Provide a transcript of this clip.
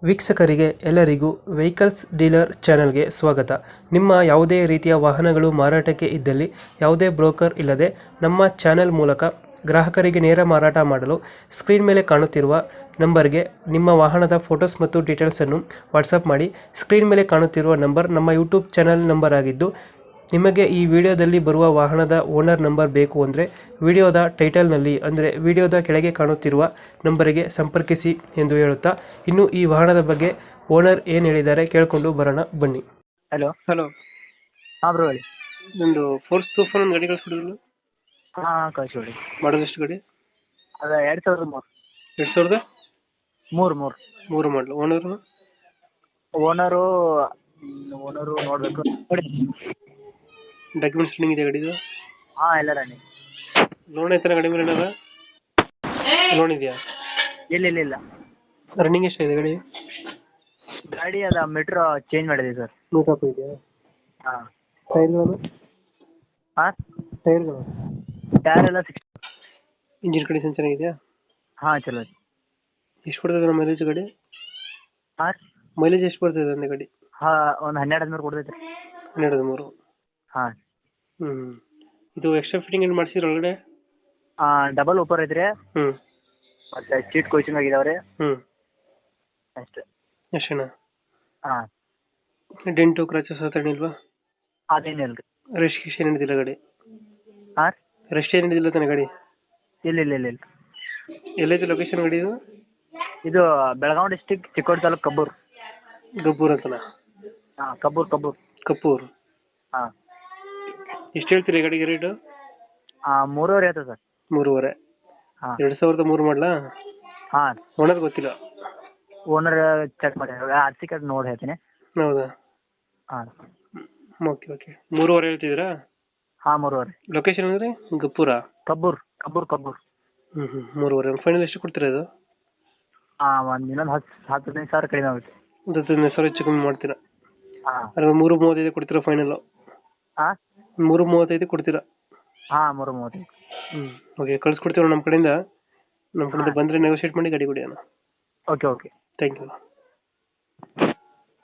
ವೀಕ್ಷಕರಿಗೆ ಎಲ್ಲರಿಗೂ vehicles dealer ಚಾನೆಲ್ಗೆ ಸ್ವಾಗತ. ನಿಮ್ಮ ಯಾವುದೇ ರೀತಿಯ ವಾಹನಗಳು ಮಾರಾಟಕ್ಕೆ ಇದ್ದಲ್ಲಿ ಯಾವುದೇ ಬ್ರೋಕರ್ ಇಲ್ಲದೆ ನಮ್ಮ ಚಾನೆಲ್ ಮೂಲಕ ಗ್ರಾಹಕರಿಗೆ ನೇರ ಮಾರಾಟ ಮಾಡಲು ಸ್ಕ್ರೀನ್ ಮೇಲೆ ಕಾಣುತ್ತಿರುವ ನಂಬರ್ಗೆ ನಿಮ್ಮ ವಾಹನದ ಫೋಟೋಸ್ ಮತ್ತು ಡೀಟೇಲ್ಸನ್ನು ವಾಟ್ಸಪ್ ಮಾಡಿ. ಸ್ಕ್ರೀನ್ ಮೇಲೆ ಕಾಣುತ್ತಿರುವ ನಂಬರ್ ನಮ್ಮ ಯೂಟ್ಯೂಬ್ ಚಾನೆಲ್ ನಂಬರ್ ಆಗಿದ್ದು, ನಿಮಗೆ ಈ ವಿಡಿಯೋದಲ್ಲಿ ಬರುವ ವಾಹನದ ಓನರ್ ನಂಬರ್ ಬೇಕು ಅಂದರೆ ವಿಡಿಯೋದ ಟೈಟಲ್ನಲ್ಲಿ ಅಂದರೆ ವಿಡಿಯೋದ ಕೆಳಗೆ ಕಾಣುತ್ತಿರುವ ನಂಬರಿಗೆ ಸಂಪರ್ಕಿಸಿ ಎಂದು ಹೇಳುತ್ತಾ, ಇನ್ನು ಈ ವಾಹನದ ಬಗ್ಗೆ ಓನರ್ ಏನು ಹೇಳಿದ್ದಾರೆ ಕೇಳಿಕೊಂಡು ಬರೋಣ ಬನ್ನಿ. ಹಲೋ ಹಲೋ, ಹಾಂ ಬ್ರೋ ಹೇಳಿ. ನಿಮ್ಮದು ಫೋರ್ಸ್ ತೂಫಾನ್ ಒಂದು ಗಾಡಿ ಕಳಿಸ್ಬಿಡಿದ್ರು, ಹಾಂ ಕಳಿಸ್ಬಿಡಿ. ಮಾಡೋದು ಎಷ್ಟು ಗಾಡಿ? ಅದು 2003 2003 ಮೂರು ಮಾಡಲು. ಓನರು ಓನರು ನೋಡಬೇಕು ನೋಡಿ. ಡಾಕ್ಯುಮೆಂಟ್ಸ್ ರನ್ನಿಂಗ್ ಇದೆ ಗಾಡಿದು? ಹಾಂ ಎಲ್ಲ ರನ್ನಿಂಗ್. ಲೋನ್ ಐತನ ಗಾಡಿ ಮೇಲೆ? ಏನಾರ ಲೋನ್ ಇದೆಯಾ? ಇಲ್ಲ ರನ್ನಿಂಗ್ ಎಷ್ಟಿದೆ ಗಾಡಿ? ಗಾಡಿ ಅದು ಮೀಟ್ರ್ ಚೇಂಜ್ ಮಾಡಿದೆ ಸರ್. ನೂಟಾಪ್ ಇದೆಯಾ? ಹಾಂ. ಟೈರ್ಗಳು? ಹಾಂ ಟೈರ್ಗಳು ಟೈರ್ ಎಲ್ಲ 60. ಇಂಜಿನ್ ಕಂಡೀಷನ್ ಚೆನ್ನಾಗಿದೆಯಾ? ಹಾಂ ಚಲೋ ಐತಿ. ಎಷ್ಟು ಕೊಡ್ತದೆ ನಮ್ಮ ಮೈಲೇಜ್ ಗಾಡಿ? ಹಾಂ ಮೈಲೇಜ್ ಎಷ್ಟು ಬರ್ತದೆ ಅಂದೆ ಗಾಡಿ? ಹಾಂ ಒಂದು 12 ಕೊಡ್ತೈತೆ ರೀ. 12 ಹಾಂ. ಇದು ಎಕ್ಸ್ಟ್ರಾ ಫಿಟ್ಟಿಂಗ್ ಏನು ಮಾಡಿಸಿದ್ರು ಒಳಗಡೆ? ಡಬಲ್ ಓಪರ್ ಐತ್ರಿ. ಹ್ಞೂ. ಮತ್ತು ಸೀಟ್ ಕೋಚಿಂಗ್ ಆಗಿದಾವೆ ರೀ. ಅಷ್ಟೇ. ಎಷ್ಟೇನಾ? ಹಾಂ. ಡೆಂಟು ಕ್ರಾಚಸ್ ಆ ಥರ ಇಲ್ವಾ? ಅದೇನಿಲ್ಲ ರೀ. ರೆಸ್ಟ್ ಏನು ಹಿಡಿದಿಲ್ಲ ಗಾಡಿ? ಹಾಂ ರೆಸ್ಟ್ ಏನು ಹಿಡಿದಿಲ್ಲ ತಾನೆ ಗಾಡಿ? ಇಲ್ಲ. ಎಲ್ಲೈತೆ ಲೊಕೇಶನ್ ಗಾಡಿ ಇದು? ಇದು ಬೆಳಗಾವಿ ಡಿಸ್ಟಿಕ್ ಚಿಕ್ಕೋಡಿ ತಾಲೂಕು ಕಬ್ಬೂರ್. ಗಬ್ಬೂರ್ ಅಂತನಾ? ಹಾಂ ಕಬ್ಬೂರ್. ಕಪ್ಪೂರ್. ಹಾಂ. ಎಷ್ಟು ಹೇಳ್ತೀರಿ ಗಾಡಿಗೆ ರೇಟು? 3.5 ಆಯ್ತದೆ ಸರ್. 3.5. ಹಾಂ. 2003 ಮಾಡಲಾ? ಹಾಂ. ಓನರ್ ಗೊತ್ತಿಲ್ಲ? ಓನರ್ ಚೆಕ್ ಮಾಡಿ ಆರ್ ಸಿ ಕಾರ್ಡ್ ನೋಡಿ ಹೇಳ್ತೀನಿ. ಹೌದಾ? ಹಾಂ. ಓಕೆ 3.5 ಹೇಳ್ತಿದ್ದೀರಾ? ಹಾಂ 3.5. ಲೊಕೇಶನ್ ಅಂದರೆ ಗಪ್ಪೂರಾ? ಕಬ್ಬೂರ್. 3.5. ಫೈನಲ್ ಎಷ್ಟು ಕೊಡ್ತೀರಾ ಇದು? ಒಂದು ಇನ್ನೊಂದು 10-15 ಸಾವಿರ ಕಡಿಮೆ ಆಗುತ್ತೆ. ಒಂದು 15,000 ಹೆಚ್ಚು ಕಮ್ಮಿ ಮಾಡ್ತೀರಾ? ಹಾಂ. ಅಲ್ಲ 3.35 ಕೊಡ್ತೀರಾ ಫೈನಲ್ಲು? ಹಾಂ 3.35 ಕೊಡ್ತೀರಾ? ಹಾಂ 3.35. ಓಕೆ, ಕಳ್ಸ್ಕೊಡ್ತೀವಿ ನಮ್ಮ ಕಡೆಯಿಂದ. ನಮ್ಮ ಕಡೆಯಿಂದ ಬಂದರೆ ನೆಗೋಷಿಯೇಟ್ ಮಾಡಿ ಗಾಡಿ ಕೊಡಿ ಅಣ್ಣ. ಓಕೆ. Thank you.